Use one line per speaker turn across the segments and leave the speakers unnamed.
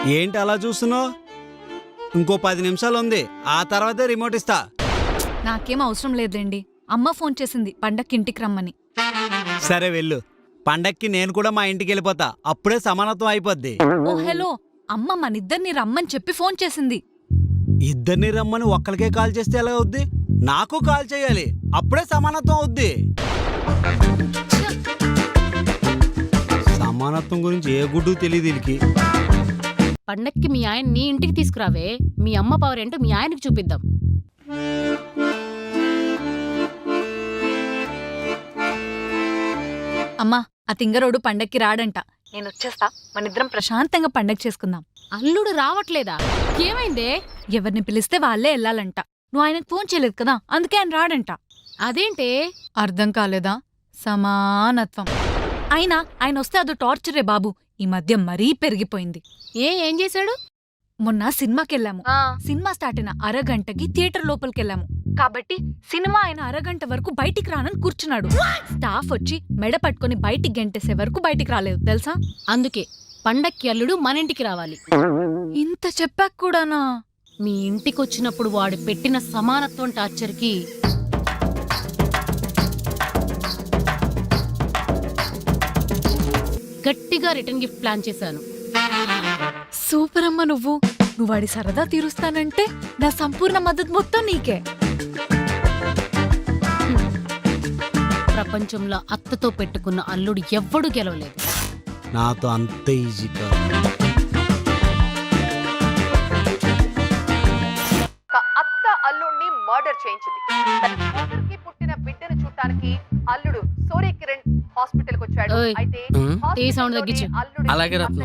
ఏంటి అలా చూస్తున్నావు? ఇంకో 10 నిమిషాలు ఉంది, ఆ తర్వాతే రిమోట్ ఇస్తా.
నాకేం అవసరం లేదండి. అమ్మ ఫోన్ చేసింది పండక్కి ఇంటికి రమ్మని.
సరే వెళ్ళు. పండక్కి నేను కూడా మా ఇంటికి వెళ్ళిపోతా, అప్పుడే సమానత్వం అయిపోద్ది.
ఓ హలో, అమ్మ మనిద్దరిని రమ్మని చెప్పి ఫోన్ చేసింది.
ఇద్దరిని రమ్మని ఒక్కరికే కాల్ చేస్తే ఎలా అవుద్ది? నాకు కాల్ చేయాలి, అప్పుడే సమానత్వం అవుద్ది. సమానత్వం గురించి ఏ గుడ్డు తెలియదు వీళ్ళకి.
పండక్కి మీ ఆయన నీ ఇంటికి తీసుకురావే, మీ అమ్మ పవర్ ఏంటో మీ ఆయనకి చూపిద్దాం.
అమ్మా, ఆ తింగరోడు పండక్కి రాడంట. నేను వచ్చేస్తా, మనిద్దరం ప్రశాంతంగా పండగ చేసుకుందాం.
అల్లుడు రావట్లేదా? ఏమైందే?
ఎవరిని పిలిస్తే వాళ్ళే వెళ్ళాలంట. నువ్వు ఆయనకు ఫోన్ చేయలేదు కదా, అందుకే ఆయన రాడంట.
అదేంటే?
అర్థం కాలేదా? సమానత్వం. అయినా ఆయన వస్తే అదో టార్చరే బాబు. ఈ మధ్య మరీ పెరిగిపోయింది.
ఏం చేశాడు?
మొన్న సినిమాకెళ్ళాము. సినిమా స్టార్ట్ అయిన అరగంటకి థియేటర్ లోపలికెళ్ళాము. కాబట్టి సినిమా అయిన అరగంట వరకు బయటికి రానని కూర్చున్నాడు. స్టాఫ్ వచ్చి మెడ పట్టుకుని బయటికి గెంటేసే వరకు బయటికి రాలేదు తెలుసా?
అందుకే పండక్కి అల్లుడు మన ఇంటికి రావాలి.
ఇంత చెప్పాక కూడానా?
మీ ఇంటికొచ్చినప్పుడు వాడు పెట్టిన సమానత్వం టార్చర్కి గట్టిగా రిటర్న్ గిఫ్ట్ ప్లాన్ చేశాను.
సూపర్ అమ్మ. నువ్వు వాడి సరదా తీరుస్తానంటే నా సంపూర్ణ మద్దతు మొత్తం నీకే.
ప్రపంచంలో అత్తతో పెట్టుకున్న అల్లుడు ఎవ్వడు గెలవలేదు.
నాతో అంత ఈజీ కాదు.
అత్త అల్లుడిని మర్డర్ చేయించింది. కూతురికి పుట్టిన బిడ్డను చూడటానికి అల్లుడు సూర్య కిరణ్ హాస్పిటల్ కి వచ్చాడు.
ఓయ్,
అయితే
టీ సౌండ్ తగ్గించు.
అలాగే రత్నం.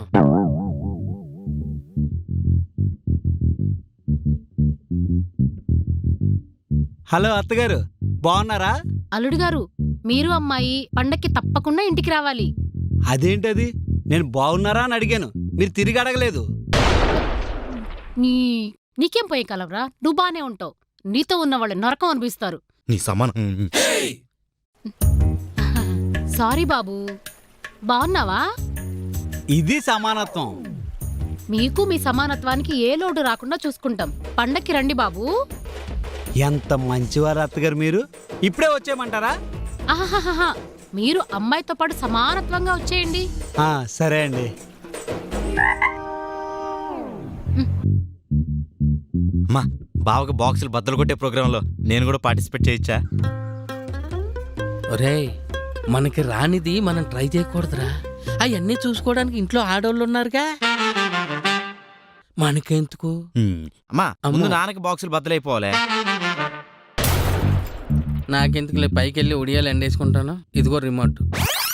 హలో అత్తగారు, బాగున్నారా?
అల్లుడు గారు, మీరు అమ్మాయి పండక్కి తప్పకుండా ఇంటికి రావాలి.
అదేంటది? నేను బాగున్నారా అని అడిగాను, మీరు తిరిగి అడగలేదు.
నీకేం పోయే కలవరా? నువ్వు బానే ఉంటావు. నీతో ఉన్న వాళ్ళు నరకం అనిపిస్తారు.
నీ సమానం.
సారీ బాబు. బాగున్నావా?
ఇది సమానత్వం.
మీకు మీ సమానత్వానికి ఏ లోటు రాకుండా చూసుకుంటాం. పండక్కి రండి బాబు.
ఎంత మంచివారు అత్తగారు మీరు. ఇప్పుడే వచ్చేయమంటారా?
ఆహాహాహా, మీరు అమ్మాయితో పాటు సమానత్వంగా వచ్చేయండి.
సరే అండి.
అమ్మా, బావకి బాక్సులు బద్దలు కొట్టే ప్రోగ్రాంలో నేను కూడా పార్టిసిపేట్ చేయొచ్చా?
ఒరేయ్, మనకి రానిది మనం ట్రై చేయకూడదురా. అవన్నీ చూసుకోవడానికి ఇంట్లో ఆడోళ్ళు ఉన్నారుగా, మనకెందుకు?
అమ్మా, ముందు నాన్నకి బాక్సులు బద్దలైపోవాలి.
నాకెందుకులే, పైకి వెళ్ళి ఉడియాలు ఎండేసుకుంటాను. ఇదిగో రిమోట్.